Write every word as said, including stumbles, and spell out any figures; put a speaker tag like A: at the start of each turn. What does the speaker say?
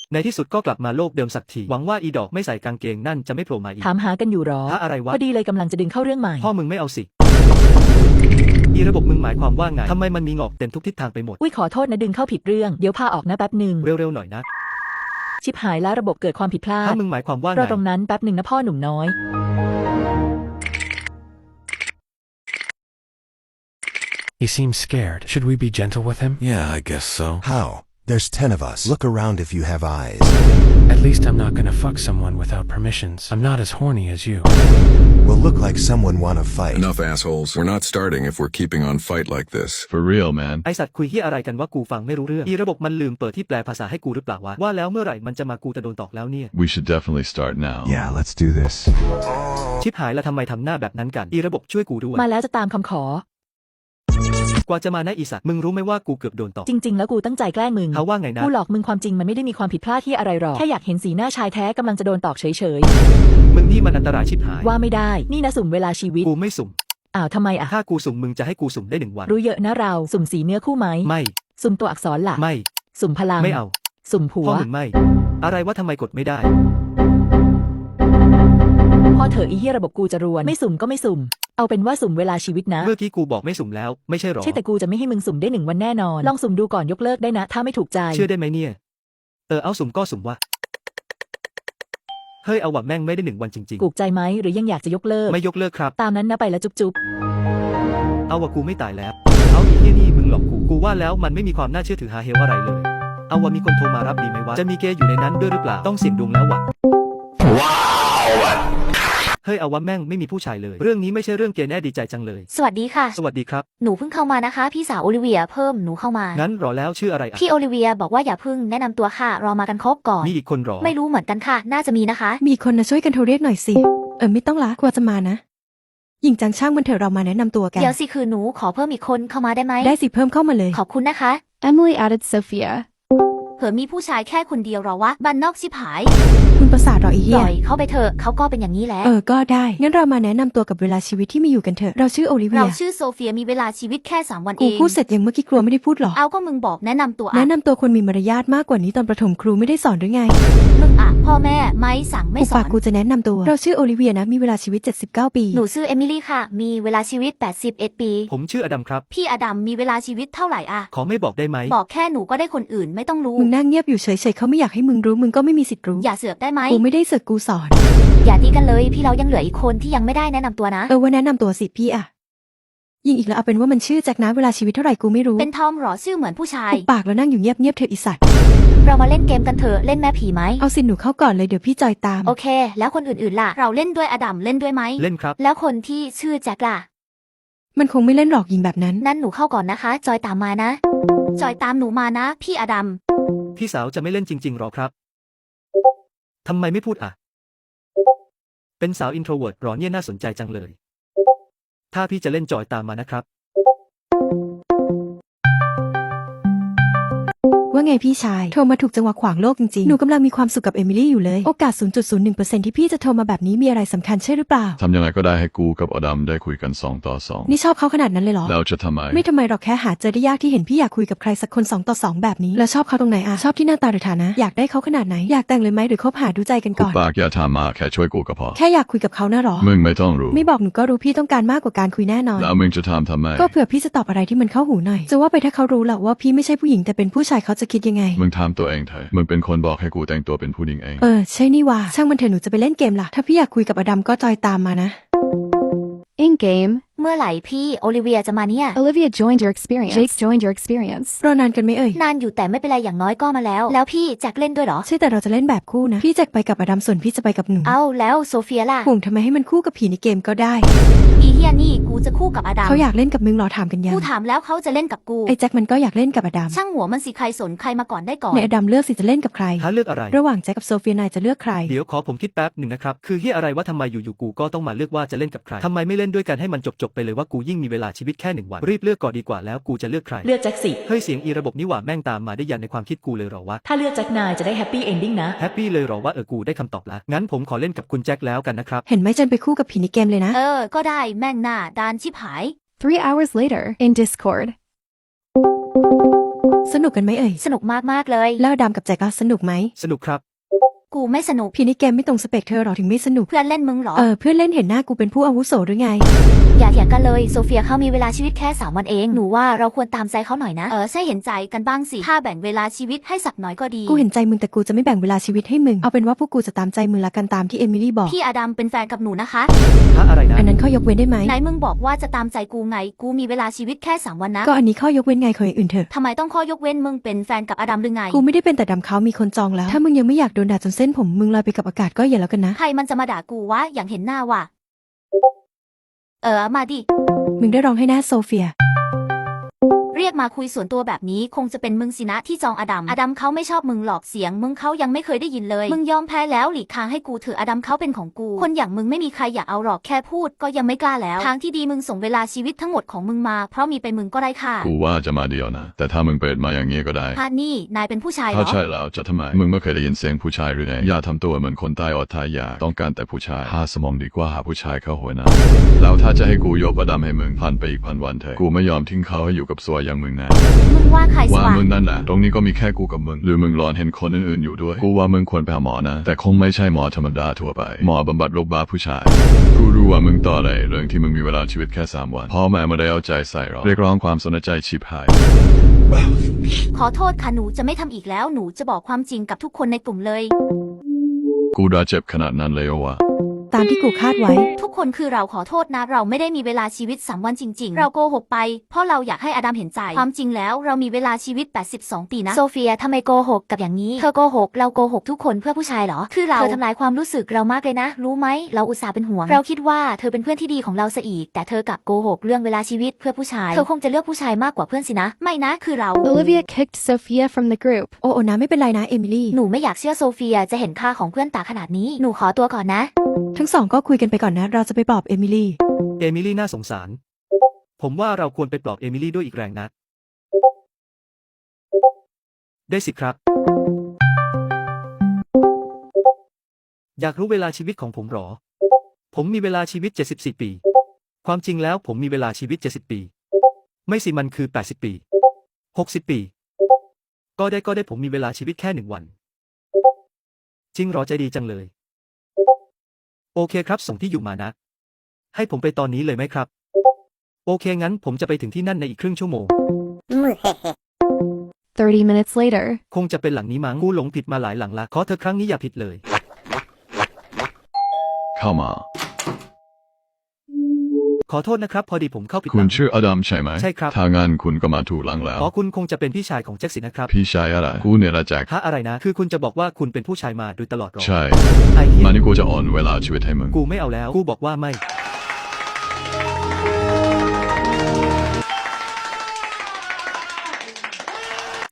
A: ในที่สุดก็กลับมาโลกเดิมสักทีหวังว่าอีดอกไม่ใส่กางเกงนั่นจะไม่โผล่มาอีก
B: ถามหากันอยู่หรอ
A: หาอะไรวะ
B: พอดีเลยกำลังจะดึงเข้าเรื่องใหม่
A: พ่อมึงไม่เอาสิอีระบบมึงหมายความว่าไงทำไมมันมีงอกเต็มทุกทิศทางไปหมด
B: อุ้ยขอโทษนะดึงเข้าผิดเรื่องเดี๋ยวพาออกนะแป๊บหนึ่ง
A: เร็วๆหน่อยนะ
B: ชิบหายแล้วระบบเกิดความผิดพลาด
A: ถ้ามึงหมายความว่าไง
B: รอตรงนั้นแป๊บหนึ่งนะพ่อหนุ่มน้อย
C: He seems scared. Should we be gentle with him?
D: Yeah, I guess so.
E: How? There's ten of us. Look around if you have eyes.
C: At least I'm not gonna fuck someone without permissions. I'm not as horny as you.
E: Will look like someone wanna fight.
D: Enough assholes. We're not starting if we're keeping on fight like this.
F: For real, man.
A: ไอสัตว์คุยเหี้ยอะไรกันว่ากูฟังไม่รู้เรื่องอีระบบมันลืมเปิดที่แปลภาษาให้กูหรือเปล่าวะว่าแล้วเมื่อไหร่มันจะมากูจะโดนตอกแล้วเนี่ย
F: We should definitely start now.
E: Yeah, let's do this.
A: ชิบหายแล้วทำไมทำหน้าแบบนั้นกันอีระบบช่วยกูด้วย
B: มาแล้วจะตามคำขอก
A: ว่าจะมานะอีสัตว์มึงรู้ไหมว่ากูเกือบโดนตอก
B: จริงๆแล้วกูตั้งใจแกล้งมึง
A: เขาว่าไงนะ
B: กูหลอกมึงความจริงมันไม่ได้มีความผิดพลาดที่อะไรหรอกแค่อยากเห็นสีหน้าชายแท้กำลังจะโดนตอกเฉย
A: ๆมึงนี่มันอันตรายชิบหาย
B: ว่าไม่ได้นี่นะสุ่มเวลาชีวิต
A: กูไม่สุ่ม
B: อ้าวทำไมอะ
A: ถ้ากูสุ่มมึงจะให้กูสุ่มได้หนึ่งวัน
B: รู้เยอะนะเราสุ่มสีเนื้อคู่ไหม
A: ไม่
B: สุ่มตัวอักษรหลัก
A: ไม่
B: สุ่มพลัง
A: ไม่เอา
B: สุ่มผัว
A: พ่อมึงไม่อะไรว่าทำไมกดไม่ได้
B: พอเถอะอีเหี้ยระบบกูจะรวนไม่สุ่มก็ไม่สุ่มเอาเป็นว่าสุ่มเวลาชีวิตนะ
A: เมื่อกี้กูบอกไม่สุ่มแล้วไม่ใช่หรอ
B: ใช่แต่กูจะไม่ให้มึงสุ่มได้หนึ่งวันแน่นอนลองสุ่มดูก่อนยกเลิกได้นะถ้าไม่ถูกใจ
A: เชื่อได้ไหมเนี่ยเออเอาสุ่มก็สุ่มวะเฮ้ยเอาว่ะแม่งไม่ได้หนึ่งวันจริงๆ
B: ถูกใจไหมหรือยังอยากจะยกเลิก
A: ไม่ยกเลิกครับ
B: ตามนั้นนะไปแล้วจุ๊บจุ๊บ
A: เอาว่ะกูไม่ตายแล้วเอาอีที่นี่มึงหลอกกูกูว่าแล้วมันไม่มีความน่าเชื่อถือหาเฮลอะไรเลยเอาว่ะมีคนโทรมารับดีไหมวะจะมีเกย์อยู่ในนั้นด้วยหรือเปล่าต้องเสี่ยงดวงแล้ววะว้าวเฮ้ยเอาว่าแม่งไม่มีผู้ชายเลยเรื่องนี้ไม่ใช่เรื่องเกย์แน่ดีใจจังเลย
G: สวัสดีค่ะ
A: สวัสดีครับ
G: หนูเพิ่งเข้ามานะคะพี่สาวโอลิเวียเพิ่มหนูเข้ามา
A: งั้นรอแล้วชื่ออะไรอ่ะ
G: พี่โอลิเวียบอกว่าอย่าเพิ่งแนะนำตัวค่ะรอมากันครบก่อน
A: มีอีกคนรอ
G: ไม่รู้เหมือนกันค่ะน่าจะมีนะคะ
H: มีคนนะช่วยกันโทรเรียกหน่อยสิเออไม่ต้องละกลัวจะมานะหญิงจังช่างมันเถอะเรามาแนะนำตัวกัน
G: เดี๋ยวสิคือหนูขอเพิ่มอีกคนเข้ามาได้ไหม
H: ได้สิเพิ่มเข้ามาเลย
G: ขอบคุณนะคะ
I: Emily added Sophia
G: เผื่อมีผู้ชายแค่คนเดียวหรอวะบ้านนอกชิบหาย
H: คุณประสาทหรออีเหี้ย
G: ปล่อยเขาไปเถอะเขาก็เป็นอย่างนี้แหละ
H: เออก็ได้งั้นเรามาแนะนำตัวกับเวลาชีวิตที่มีอยู่กันเถอะเราชื่อโอลิเวีย
G: เราชื่อโซเฟียมีเวลาชีวิตแค่สามวันเอง
H: กูพูดเสร็จยังเมื่อกี้ครูไม่ได้พูดหรอ
G: เอาก็มึงบอกแนะนำตัว
H: แนะนำตัวคนมีมารยาทมากกว่านี้ตอนประถมครูไม่ได้สอนหรือไง
G: มึงอ่ะพ่อแม่ไม่สั่งไม่สอน
H: ปากกูจะแนะนำตัวเราชื่อโอลิเวียนะมีเวลาชีวิตเจ็ดสิบเก้าปี
G: หนูชื่อเอมิลี่ค่ะมีเวลาชีวิตแปดสิบเอ็ดปี
A: ผมชื่ออดัมครับ
G: พี่อดัมมีเวลาชีวิตเท่าไหร่อะ
A: ขอไม่บอกได้ไหม
G: บอกแค่หนูก็ได้คนอื่นไม่ต้องรู้
H: มึงนั่งเงียบอยู่เฉยๆเขาไม่อยากให้มึงรู้มึงก็ไม่มีสิทธิ์รู้
G: อย่าเสือกได้ไหม
H: กูไม่ได้เสือกกูสอน
G: อย่าตีกันเลยพี่เรายังเหลืออีกคนที่ยังไม่ได้แนะนำตัวนะ
H: เออว่าแนะนำตัวสิพี่อะยิงอีกแล้วเอาเป็นว่ามันชื่อแจ็คนะเวลาชีวิตเท่าไหร่กูไม่รู้
G: เป็นทอมหรอชื่อเหมือนผู้ชาย
H: ปากแล้วนั่งอยู่เงียบเงียบเธออีสัตว์
G: เรามาเล่นเกมกันเถอะเล่นแม่ผีไหม
H: เอาสิหนูเข้าก่อนเลยเดี๋ยวพี่จอยตาม
G: โอเคแล้วคนอื่นๆล่ะเราเล่นด้วยอดัมเล่นด้วยไหม
A: เล่นครับ
G: แล้วคนที่ชื่อแจ็คล่ะ
H: มันคงไม่เล่นหรอกยิงแบบนั้น
G: นั่นหนูเข้าก่อนนะคะจอยตามมานะจอยตามหนูมานะพี่อดัม
A: พี่สาวจะไม่เล่นจริงๆหรอครับทำไมไม่พูดอ่ะเป็นสาวอินโทรเวิร์ตหรอเนี่ยน่าสนใจจังเลยถ้าพี่จะเล่นจอยตามมานะครับ
H: ว่าไงพี่ชายโทรมาถูกจังหวะขวางโลกจริงๆหนูกำลังมีความสุขกับเอมิลี่อยู่เลยโอกาส ศูนย์จุดศูนย์หนึ่งเปอร์เซ็นต์ ที่พี่จะโทรมาแบบนี้มีอะไรสำคัญใช่หรือเปล่า
F: ทำยังไงก็ได้ให้กูกับอดัมได้คุยกันสองต่อสอง
H: นี่ชอบเขาขนาดนั้นเลยเหรอ
F: แล้วจะทำไม
H: ไม่ทำไมหรอกแค่หาเจอได้ยากที่เห็นพี่อยากคุยกับใครสักคนสองต่อสองแบบนี้แล้วชอบเขาตรงไหนอะชอบที่หน้าตาหรือฐานะอยากได้เขาขนาดไหนอยากแต่งเลยไหมหรือคบหาดูใจกันก่อน
F: ปากอย่าถามมาแค่ช่วยกูก็พอ
H: แค่อยากคุยกับเขาน่ะหรอ
F: มึงไม่ต้องรู้
H: ไม่บอกหนูก็รู้พี่ต้องการมากกว่าการคุยแน่นอน
F: แล้วมึงจะถามทำไม
H: ก็เผื่อพี่จะตอบอะไรที่มันเข้าหูหน่อยจะว่าไปถ้าเขารู้แหละว่าพี่ไม่ใช่ผู้หญิงแต่เป็นผู้ชายเขาจะคิดยังไง
F: มึงถามตัวเองเถอะมึงเป็นคนบอกให้กูแต่งตัวเป็นผู้หญิงเอง
H: เออใช่นี่ว่าช่างมันเถอะหนูจะไปเล่นเกมล่ะถ้าพี่อยากคุยกับอดัมก็จอยตามมานะ
I: In game
G: เมื่อไหร่พี่โอลิเวียจะมาเนี่ย
I: Olivia joined your experience Jake joined your experience
H: รอนานกันไหมเอ่ย
G: นานอยู่แต่ไม่เป็นไรอย่างน้อยก็มาแล้วแล้วพี่แจ็คเล่นด้วยเหรอ
H: ใช่แต่เราจะเล่นแบบคู่นะพี่แจ็คไปกับอดัมส่วนพี่จะไปกับหนู
G: เอ้าแล้วโซเฟียล่ะ
H: ห่วงทำไมให้มันคู่กับผีในเกมก็ได้
G: อีเฮียนี่กูจะคู่กับอดัม
H: เขาอยากเล่นกับมึงหรอถามกันยัง
G: กูถามแล้วเขาจะเล่นกับกู
H: ไอ้แจ็คมันก็อยากเล่นกับอดัม
G: ช่างหัวมันสิใครสนใครมาก่อนได้ก่อน
H: ในอดัมเลือกสิจะเล่นกับใคร
A: หาเลือกอะไร
H: ระหว่างแจ็คกับโซเฟียนายจะเลือกใคร
A: เดี๋ยวขอผมคิดแป๊บหนึ่งนะครับคือเฮียอะไรว่าทำไมอยู่ๆกูก็ต้องมาเลือกว่าจะเล่นกับใครทำไมไม่เล่นด้วยกันให้มันจบๆไปเลยว่ากูยิ่งมีเวลาชีวิตแค่หนึ่งวันรีบเลือกก่อนดีกว่าแล้วกูจะเลือกใคร
B: เลือกแจ็คสิ
A: เฮ้ยเสียงอีระบบนี่หว่าแม่งตามมาได้ยันในความคิดกูเลยหรอวะ
B: ถ้าเลือกแจ็คนายจะได้แฮปปี้เอนดิ้งนะ
A: แฮปปี้เลยหรอว่าเออกูได้คำตอบแล้วงั้นผมขอเล่นกับคุณแจ็คแล้วกันนะครับ
H: เห็นไหมจนไปคู่กับผีในเกมเลยนะ
G: เออก็ได้แม่งหน้าดานชิบหาย
I: Three hours later in Discord
H: สนุกกันไหมเอ่ย
G: สนุกมากๆเลย
H: แล้วอดัมกับแจ็คอะสนุกไหม
A: สนุกครับ
G: กูไม่สนุก
H: พี่นี่แกไม่ตรงสเปคเธอหรอถึงไม่สนุก
G: เพื่อนเล่นมึงเหรอ
H: เออเพื่อนเล่นเห็นหน้ากูเป็นผู้อาวุโสหรือไง
G: อย่าเถียงกันเลยโซเฟียเขามีเวลาชีวิตแค่สามวันเองหนูว่าเราควรตามใจเขาหน่อยนะเออใช่เห็นใจกันบ้างสิถ้าแบ่งเวลาชีวิตให้สักหน่อยก็ดี
H: กูเห็นใจมึงแต่กูจะไม่แบ่งเวลาชีวิตให้มึง เอาเป็นว่าพวกกูจะตามใจมึงละกันตามที่เอมิลี่บอก
G: พี่อดัมเป็นแฟนกับหนูนะคะ
A: ฮะอะไรนะ
H: อันนั้นข้อยกเว้นได้ไหม
G: ไหนมึงบอกว่าจะตามใจกูไงกูมีเวลาชีวิตแค่สามวันนะ
H: ก็อันนี้ข้อยกเว้นไงขออย่างอื่นเถอะ
G: ทำไมต้องข้อยกเว้นมึงเป็นแฟนกับอดัมหรือไง
H: กูไม่ได้เป็นแต่ดำเขามีคนจองแล้ว ถ้ามึงยังไม่อยากโดนด่าจนเส้นผมมึงลอยไปกับอากาศก็อย่าแล้วกันนะ
G: ใครมันจะมาด่ากูวะอย่างเห็นหน้าว่ะเออมาดิ
H: มึงได้ร้องให้หน้าโซเฟีย
G: เรียกมาคุยส่วนตัวแบบนี้คงจะเป็นมึงสินะที่จองอดัมอดัมเขาไม่ชอบมึงหลอกเสียงมึงเขายังไม่เคยได้ยินเลยมึงยอมแพ้แล้วหลีกทางให้กูเถอะอดัมเขาเป็นของกูคนอย่างมึงไม่มีใครอยากเอาหรอกแค่พูดก็ยังไม่กล้าแล้วทางที่ดีมึงส่งเวลาชีวิตทั้งหมดของมึงมาเพราะมีไปมึงก็ได้ค่ะ
F: กูว่าจะมาเดียวนะ แต่ถ้ามึงเปิดมาอย่างงี้ก็ได้
G: พานี่นายเป็นผู้ชายเหร
F: ถ้า
G: อ
F: ใช่แล้วจะทำไม มึงไม่เคยได้ยินเสียงผู้ชายหรือไงอย่าทำตัวเหมือนคนใต้อดทายาต้องการแต่ผู้ชายหาสมองดีกว่าหาผู้ชายเข้าหัวนะแล้วถ้าจะให้กูยกอดัมให้มึงพันไปอีกพันวันเถอะกูไม่ยอมทิ้งเขาให้อยู่กับซัวอย่างมึงนะ
G: มึงว่าใครส
F: ว่า
G: ว่าง
F: มึงนั่นแหละตรงนี้ก็มีแค่กูกับมึงหรือมึงรอนเห็นคนอื่นๆอยู่ด้วยกูว่ามึงควรไปหาหมอนะแต่คงไม่ใช่หมอธรรมดาทั่วไปหมอบำบัดโรคบ้าผู้ชายกูรู้ว่ามึงต่อเลยเรื่องที่มึงมีเวลาชีวิตแค่สามวันพ่อแม่ไม่ได้เอาใจใส่หรอกเรียกร้องความสนใจชิบหาย
G: ขอโทษค่ะหนูจะไม่ทำอีกแล้วหนูจะบอกความจริงกับทุกคนในกลุ่มเลย
F: กูด่าเจ็บขนาดนั้นเลยเหรอวะ
H: ตามที่กูคาดไว้
G: ทุกคนคือเราขอโทษนะเราไม่ได้มีเวลาชีวิตสามวันจริงๆเราโกหกไปเพราะเราอยากให้อดัมเห็นใจความจริงแล้วเรามีเวลาชีวิตแปดสิบสองปีนะโซเฟียทำไมโกหกกับอย่างนี้เธอโกหกเราโกหกทุกคนเพื่อผู้ชายเหรอคือเราเธอทำลายความรู้สึกเรามากเลยนะรู้ไหมเราอุตส่าห์เป็นห่วงเราคิดว่าเธอเป็นเพื่อนที่ดีของเราซะอีกแต่เธอกลับโกหกเรื่องเวลาชีวิตเพื่อผู้ชายเธอคงจะเลือกผู้ชายมากกว่าเพื่อนสินะไม่นะคือเรา
I: Olivia kicked Sophia from the group.
H: โอ้โอนะไม่เป็นไรนะเอมิลี่
G: หนูไม่อยากเชื่อโซเฟียจะเห็นค่าของเพื่อนตาขนาดนี้หนูขอตัวก่อนนะ
H: ทั้งสองก็คุยกันไปก่อนนะ เราจะไปปลอบเอมิลี่
A: เอมิลี่น่าสงสาร ผมว่าเราควรไปปลอบเอมิลี่ด้วยอีกแรงนะ ได้สิครับ อยากรู้เวลาชีวิตของผมหรอ ผมมีเวลาชีวิตเจ็ดสิบสี่ปี ความจริงแล้วผมมีเวลาชีวิตเจ็ดสิบปี ไม่สิมันคือแปดสิบปี หกสิบปี ก็ได้ก็ได้ผมมีเวลาชีวิตแค่หนึ่งวัน จริงหรอใจดีจังเลย โอเคครับส่งที่อยู่มานะ ให้ผมไปตอนนี้เลยไหมครับ โอเคงั้นผมจะไปถึงที่นั่นในอีกครึ่งชั่วโมง
I: thirty minutes later.
A: คงจะเป็นหลังนี้มั้งกูหลงผิดมาหลายหลังละขอเธอครั้งนี้อย่าผิดเลย
F: เข้ามา
A: ขอโทษนะครับ พอดีผมเข้าผิดห
F: คุ
A: ลั
F: ณ
A: ง
F: ชื่ออดัมใช่ไหม
A: ใช่ครับ
F: ถ้างั้นคุณก็มาถูกหลังแล้ว
A: ขอคุณคงจะเป็นพี่ชายของแจ็คสินะครับ
F: พี่ชายอะไรกูเนี่ยละแจ็ค
A: ฮะอะไรนะ คือคุณจะบอกว่าคุณเป็นผู้ชายมาโดยตลอดหรอ
F: ใช่
A: ไอ้เหี้ย
F: มานี่กูจะอ่อนเวลาชีวิตให้มึง
A: กูไม่เอาแล้ว กูบอกว่าไม่